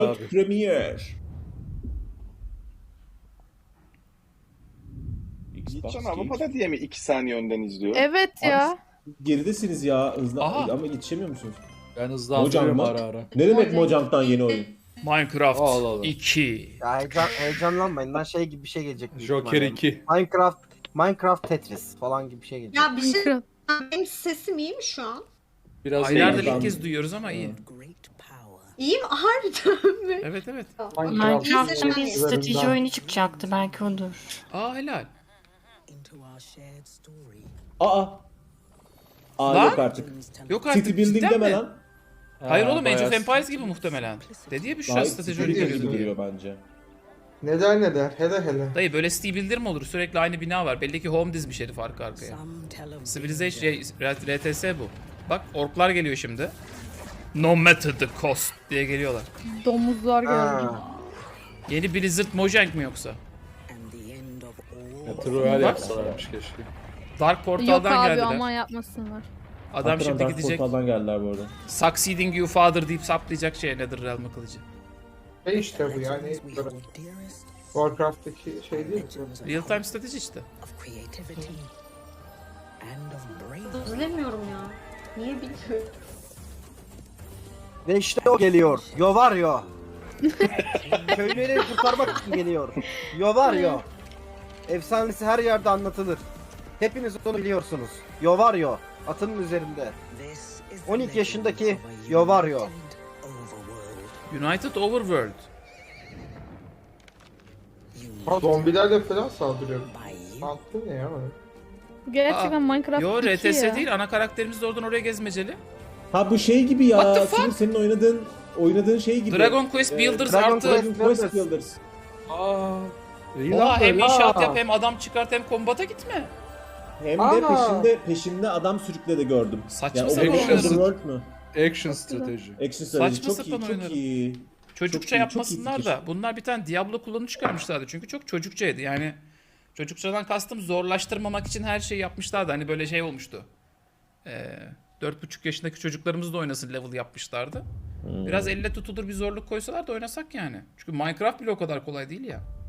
Abi. Premier. Xbox Gitcan Games. Avrupa'da diye mi 2 saniye önden izliyor? Evet ya. Geridesiniz ya hızlı Aha. ama yetişemiyor musunuz? Ben hızlandırıyorum Mojang mı? ara ara. Ne demek Mojang'dan yeni oyun? Minecraft Allah Allah. 2. Ya heyecanlanmayın lan, şey gibi bir şey gelecek. büyük Joker ihtimalle. 2. Minecraft Tetris falan gibi bir şey gelecek. Ya bir şey, Minecraft. benim sesim iyi mi şu an? Biraz Aylardır değil. ilk kez duyuyoruz ama iyi. İyi mi? Harbiden mi? Evet evet. Minecraft'ın bir İyi strateji oyunu çıkacaktı, belki odur. Aa helal. Aa. Aa Lan? yok artık. Yok artık City Building cidden deme mi? lan. Hayır oğlum Age of bayağı- Empires gibi muhtemelen. Dedi ya Büşra Daha strateji City oyunu Building geliyor gibi diye. duruyor bence. Neden hele. Dayı böyle City Builder mi olur? Sürekli aynı bina var. Belli ki home dizmiş herif arka arkaya. Civilization RTS bu. Bak orklar geliyor şimdi. No matter the cost diye geliyorlar. Domuzlar geldi. Ha. Yeni Blizzard Mojang mı yoksa? Ya, Troyal Bak. yapsalarmış keşke. Dark Yok Portal'dan abi geldiler. aman yapmasınlar. Adam Hakikaten şimdi Dark gidecek. Portal'dan geldiler bu arada. Succeeding you father deyip saplayacak şeye Netherrealm'ı kılıcı. İşte bu yani. Warcraft'taki şey değil mi? Real time strateji işte. İzlemiyorum ya. Niye bilmiyorum. Ve işte o geliyor. Yo var yo. Köyleri kurtarmak için geliyor. Yo var yo. Efsanesi her yerde anlatılır. Hepiniz onu biliyorsunuz. Yo var yo. Atının üzerinde. 12 yaşındaki Yo var yo. United Overworld. Zombilerle falan saldırıyor. Mantıklı ne ya? Bu gerçekten Minecraft Yo 2 RTS ya. değil. Ana karakterimiz de oradan oraya gezmeceli. Ha bu şey gibi What ya. the fuck? Senin oynadığın şey gibi. Dragon Quest Builders Dragon artı. Quest- Dragon Quest Builders. Aa. İyi Oha lan hem böyle. inşaat yap hem adam çıkart hem kombata gitme. Hem de Aa. peşimde adam sürükle de gördüm. Saçma Yani sapan Overworld oyunlar. World mu? Action strateji. Action strategy Saçma çok iyi, sapan çok oyunları. iyi. Çocukça Çok iyi, yapmasınlar çok iyi da. Bunlar bir tane Diablo kullanı çıkarmışlardı. Çünkü çok çocukçaydı. Yani çocukçadan kastım zorlaştırmamak için her şeyi yapmışlardı. Hani böyle şey olmuştu. 4,5 yaşındaki çocuklarımız da oynasın level yapmışlardı. Biraz elle tutulur bir zorluk koysalar da oynasak yani. Çünkü Minecraft bile o kadar kolay değil ya.